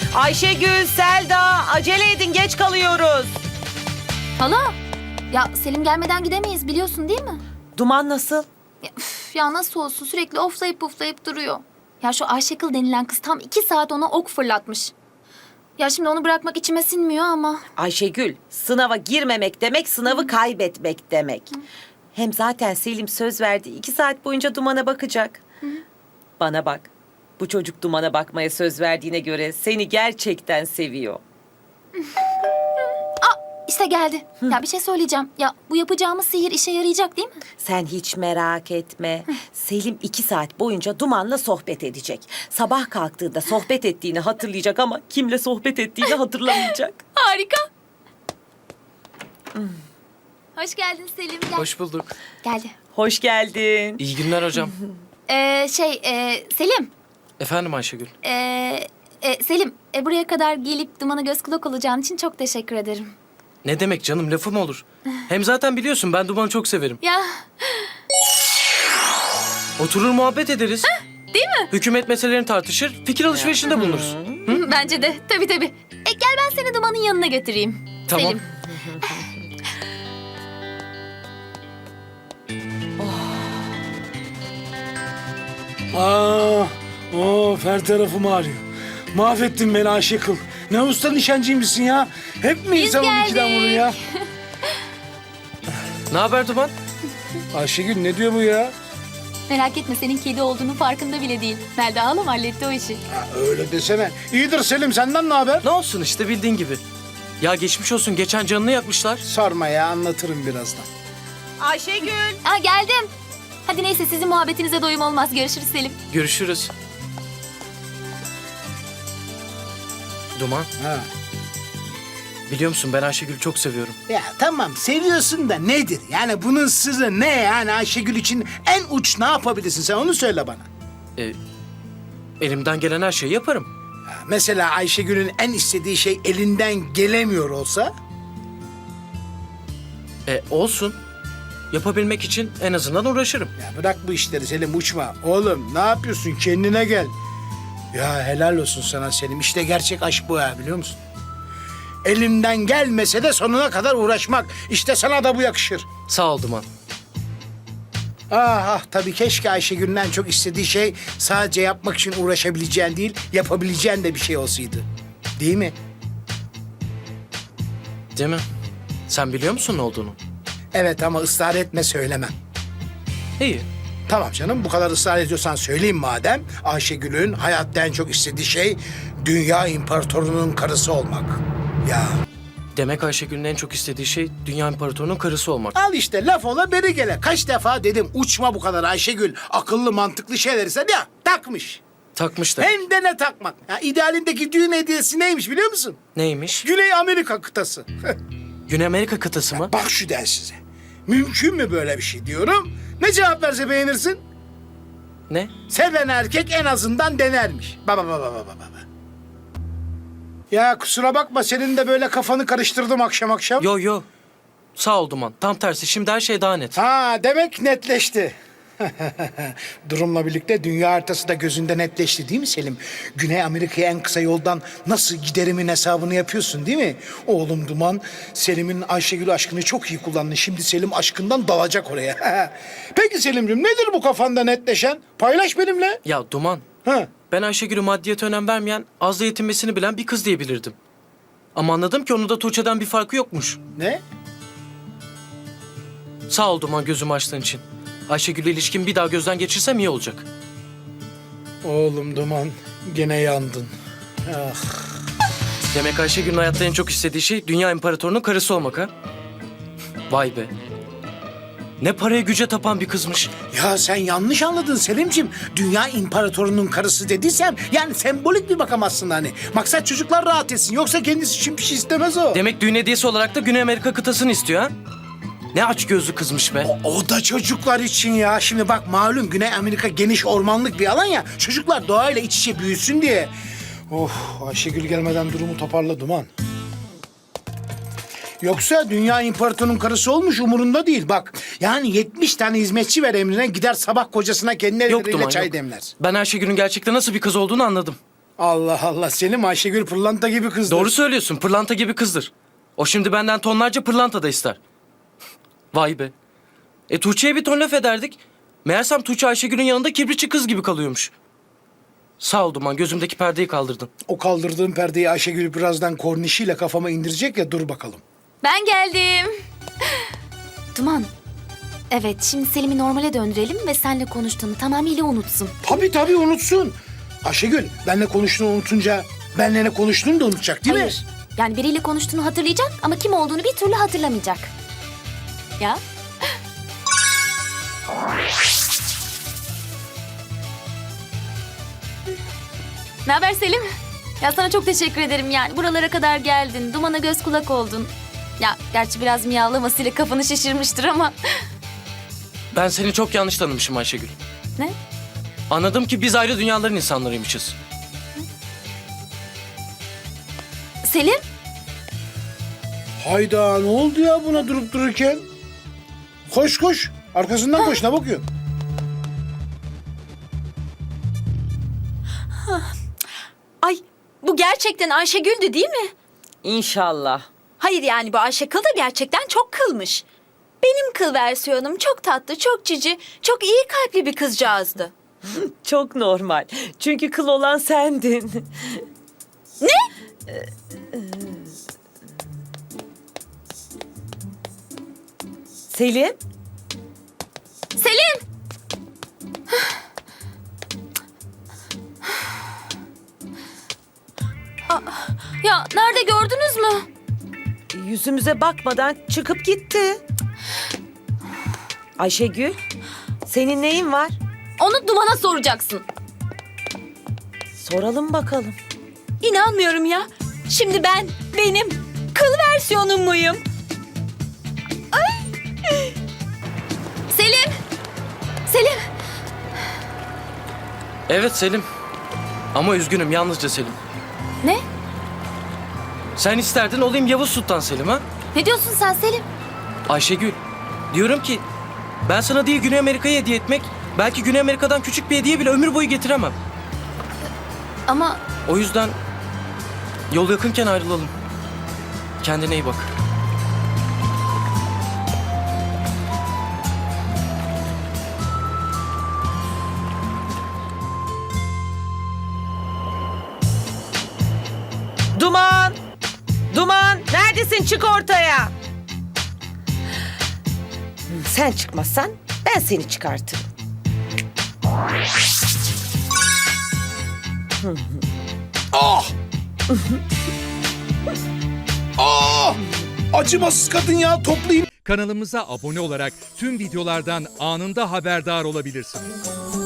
Ayşegül, Selda, acele edin, geç kalıyoruz. Hala, ya Selim gelmeden gidemeyiz biliyorsun değil mi? Duman nasıl? Ya nasıl olsun sürekli oflayıp puflayıp duruyor. Ya şu Ayşekıl denilen kız tam 2 saat ona ok fırlatmış. Ya şimdi onu bırakmak içime sinmiyor ama. Ayşegül, sınava girmemek demek, sınavı kaybetmek demek. Hem zaten Selim söz verdi, 2 saat boyunca Duman'a bakacak. Bana bak, bu çocuk Duman'a bakmaya söz verdiğine göre seni gerçekten seviyor. İşte geldi. Ya bir şey söyleyeceğim. Ya bu yapacağımız sihir işe yarayacak değil mi? Sen hiç merak etme. Selim 2 saat boyunca Duman'la sohbet edecek. Sabah kalktığında sohbet ettiğini hatırlayacak ama kimle sohbet ettiğini hatırlamayacak. Harika. Hoş geldin Selim. Gel. Hoş bulduk. Geldi. Hoş geldin. İyi günler hocam. Selim. Efendim Ayşegül. Selim, buraya kadar gelip Duman'a göz kulak olacağın için çok teşekkür ederim. Ne demek canım, lafım olur. Hem zaten biliyorsun ben Duman'ı çok severim. Ya, Oturur muhabbet ederiz. değil mi? Hükümet meselelerini tartışır, fikir alışverişinde bulunuruz. Bence de. Tabii tabii. Gel ben seni Duman'ın yanına götüreyim. Tamam. Selim. Her tarafım ağrıyor. Mahvettin beni Ayşekıl. Ne usta nişancıymışsın ya. Hep mi Biz insan geldik. 12'den vurur ya? Ne haber Duman? Ayşegül ne diyor bu ya? Merak etme senin kedi olduğunu farkında bile değil. Melda halam halletti o işi. Ha, öyle desene. İyidir Selim, senden ne haber? Ne olsun işte bildiğin gibi. Ya geçmiş olsun, geçen canını yakmışlar. Sorma ya, anlatırım birazdan. Ayşegül. Geldim. Hadi neyse sizin muhabbetinize doyum olmaz. Görüşürüz Selim. Görüşürüz. Duman, Ha. biliyor musun ben Ayşegül'ü çok seviyorum. Ya tamam seviyorsun da nedir? Yani bunun sırrı ne yani Ayşegül için en uç ne yapabilirsin sen onu söyle bana. Elimden gelen her şeyi yaparım. Ha, mesela Ayşegül'ün en istediği şey elinden gelemiyor olsa? Olsun. Yapabilmek için en azından uğraşırım. Ya bırak bu işleri Selim, uçma. Oğlum ne yapıyorsun, kendine gel. Ya helal olsun sana Selim, işte gerçek aşk bu ya, biliyor musun? Elimden gelmese de sonuna kadar uğraşmak. İşte sana da bu yakışır. Sağ ol Duman. Tabii keşke Ayşegül'ün en çok istediği şey sadece yapmak için uğraşabileceğin değil, yapabileceğin de bir şey olsaydı. Değil mi? Değil mi? Sen biliyor musun ne olduğunu? Evet ama ısrar etme, söylemem. İyi. Tamam canım, bu kadar ısrar ediyorsan söyleyeyim madem. Ayşegül'ün hayatta en çok istediği şey dünya imparatorunun karısı olmak. Ya Demek Ayşegül'ün en çok istediği şey Dünya İmparatorunun karısı olmak. al işte, laf ola beri gele. Kaç defa dedim uçma bu kadar Ayşegül. Akıllı mantıklı şeyler ise ya takmış. Takmış da. Hem de ne takmak. Ya, idealindeki düğün hediyesi neymiş biliyor musun? Neymiş? Güney Amerika kıtası. Güney Amerika kıtası mı? Bak şu densize. Mümkün mü böyle bir şey diyorum. Ne cevap verse beğenirsin? Ne? Seven erkek en azından denermiş. Baba. Ya kusura bakma, senin de böyle kafanı karıştırdım akşam akşam. Yo. Sağ ol Duman. Tam tersi. Şimdi her şey daha net. Demek netleşti. Durumla birlikte dünya haritası da gözünde netleşti değil mi Selim? Güney Amerika'ya en kısa yoldan nasıl giderimin hesabını yapıyorsun değil mi? Oğlum Duman, Selim'in Ayşegül aşkını çok iyi kullandın. Şimdi Selim aşkından dalacak oraya. Peki Selim'ciğim, nedir bu kafanda netleşen? Paylaş benimle. Ya Duman, Ha. ben Ayşegül'ü maddiyete önem vermeyen, azla yetinmesini bilen bir kız diyebilirdim. Ama anladım ki onun da Tuğçe'den bir farkı yokmuş. Ne? Sağ ol Duman gözümü açtığın için. Ayşegül'le ilişkimi bir daha gözden geçirsem iyi olacak. Oğlum Duman, gene yandın. Ah. Demek Ayşegül'ün hayatta en çok istediği şey Dünya İmparatorunun karısı olmak ha? Vay be. Ne paraya güce tapan bir kızmış. Ya sen yanlış anladın Selim'ciğim. Dünya imparatorunun karısı dediysem yani sembolik bir bakamazsın hani. Maksat çocuklar rahat etsin. Yoksa kendisi için bir şey istemez o. Demek düğün hediyesi olarak da Güney Amerika kıtasını istiyor ha? Ne aç gözlü kızmış be. O da çocuklar için ya. Şimdi bak malum Güney Amerika geniş ormanlık bir alan ya. Çocuklar doğayla iç içe büyüsün diye. Ayşegül gelmeden durumu toparla Duman. Yoksa dünya imparatorunun karısı olmuş umurunda değil bak. Yani 70 tane hizmetçi ver emrine, gider sabah kocasına kendi Yok elleriyle Duman çay yok. demler. Ben Ayşegül'ün gerçekten nasıl bir kız olduğunu anladım. Allah Allah Selim, Ayşegül pırlanta gibi kızdır. Doğru söylüyorsun, pırlanta gibi kızdır. O şimdi benden tonlarca pırlanta da ister. Vay be. Tuğçe'ye bir ton laf ederdik. Meğersem Tuğçe Ayşegül'ün yanında kibritçi kız gibi kalıyormuş. Sağ ol Duman, gözümdeki perdeyi kaldırdın. O kaldırdığın perdeyi Ayşegül birazdan kornişiyle kafama indirecek ya, dur bakalım. Ben geldim. Duman. Evet, şimdi Selim'i normale döndürelim ve seninle konuştuğunu tamamıyla unutsun. Tabii unutsun. Ayşegül, benle konuştuğunu unutunca benle ne konuştuğunu da unutacak değil mi? Hayır. Yani biriyle konuştuğunu hatırlayacak ama kim olduğunu bir türlü hatırlamayacak. Ya? Ne haber Selim? Ya sana çok teşekkür ederim yani. Buralara kadar geldin. Duman'a göz kulak oldun. Ya gerçi biraz miyavlamasıyla kafanı şişirmiştir ama. Ben seni çok yanlış tanımışım Ayşegül. Ne? Anladım ki biz ayrı dünyaların insanlarıymışız. Selim? Hayda, ne oldu ya buna durup dururken? Koş. Arkasından koş, ne bakıyorsun? Ay bu gerçekten Ayşegül'dü değil mi? İnşallah. Hayır yani bu Ayşe kıl da gerçekten çok kılmış. Benim kıl versiyonum çok tatlı, çok cici, çok iyi kalpli bir kızcağızdı. Çok normal. Çünkü kıl olan sendin. Ne? Selim? Selim! Ya nerede gördünüz mü? Yüzümüze bakmadan çıkıp gitti. Ayşegül, senin neyin var? Onu Duman'a soracaksın. Soralım bakalım. İnanmıyorum ya. Şimdi ben benim kıl versiyonum muyum? Selim! Selim! Evet Selim. Ama üzgünüm, yalnızca Selim. Ne? Sen isterdin olayım Yavuz Sultan Selim ha? Ne diyorsun sen Selim? Ayşegül, diyorum ki ben sana değil Güney Amerika'yı hediye etmek, belki Güney Amerika'dan küçük bir hediye bile ömür boyu getiremem. Ama O yüzden yol yakınken ayrılalım. Kendine iyi bak. Duman! Duman! Neredesin? Çık ortaya! Sen çıkmazsan ben seni çıkartırım. Ah! Ah! Acımasız kadın ya, toplayayım. Kanalımıza abone olarak tüm videolardan anında haberdar olabilirsiniz.